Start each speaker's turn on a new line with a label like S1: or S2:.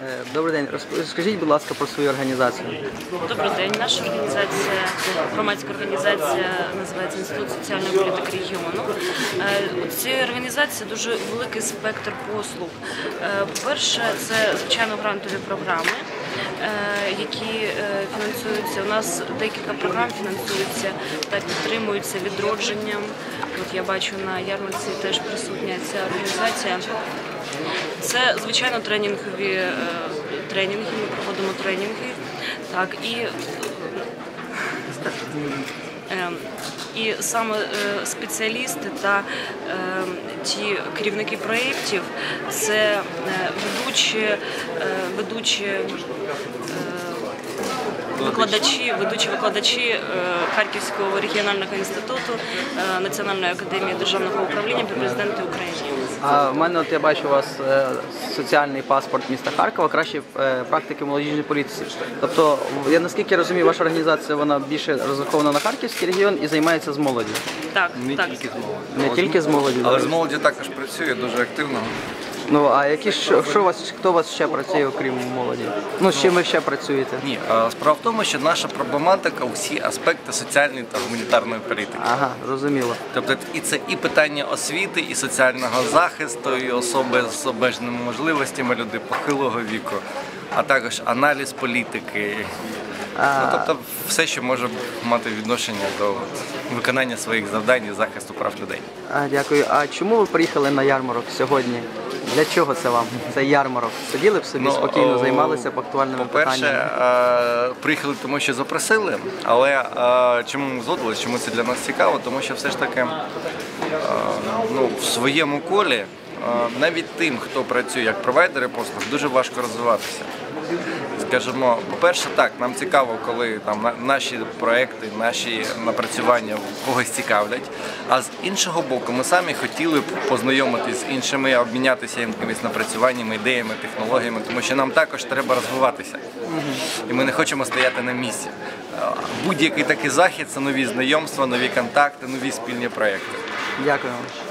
S1: Добрий день. Розкажіть, будь ласка, про свою організацію.
S2: Добрий день. Наша організація, громадська організація, називається Інститут соціальної політики регіону. У цій організації дуже великий спектр послуг. По-перше, це, звичайно, грантові програми, які фінансуються. У нас декілька програм фінансуються та підтримуються відродженням. От я бачу, на ярмарці теж присутня ця організація. Це, звичайно, тренінги, ми проводимо тренінги, так, і саме спеціалісти та ті керівники проєктів – це ведучі викладачі Харківського регіонального інституту Національної академії державного управління при президенті України.
S1: А в мене, я бачу, у вас соціальний паспорт міста Харкова, кращі практики в молодіжній політиці. Тобто, я наскільки розумію, ваша організація, вона більше розрахована на Харківський регіон і займається з молоді?
S2: Так, так.
S1: Не тільки з молоді?
S3: Але з молоді також працює дуже активно.
S1: Ну, а хто у вас ще працює, окрім молоді? Ну, з чим ви ще працюєте?
S3: Ні, справа в тому, що наша проблематика – усі аспекти соціальної та гуманітарної політики.
S1: Ага, зрозуміло.
S3: Тобто це і питання освіти, і соціального захисту, і особи з обмеженими можливостями, люди похилого віку, а також аналіз політики. Тобто все, що може мати відношення до виконання своїх завдань і захисту прав людей.
S1: Дякую. А чому ви приїхали на ярмарок сьогодні? Для чого це вам, цей ярмарок? Сиділи б собі спокійно, займалися б актуальними питаннями?
S3: По-перше, приїхали тому, що запросили, але чому ми згодилися, чому це для нас цікаво, тому що все ж таки в своєму колі навіть тим, хто працює як провайдери послуг, дуже важко розвиватися. Скажімо, по-перше, так, нам цікаво, коли там наші проекти, наші напрацювання когось цікавлять, а з іншого боку, ми самі хотіли б познайомитися з іншими, обмінятися якимись напрацюваннями, ідеями, технологіями, тому що нам також треба розвиватися. І ми не хочемо стояти на місці. Будь-який такий захід – це нові знайомства, нові контакти, нові спільні проекти.
S1: Дякую вам.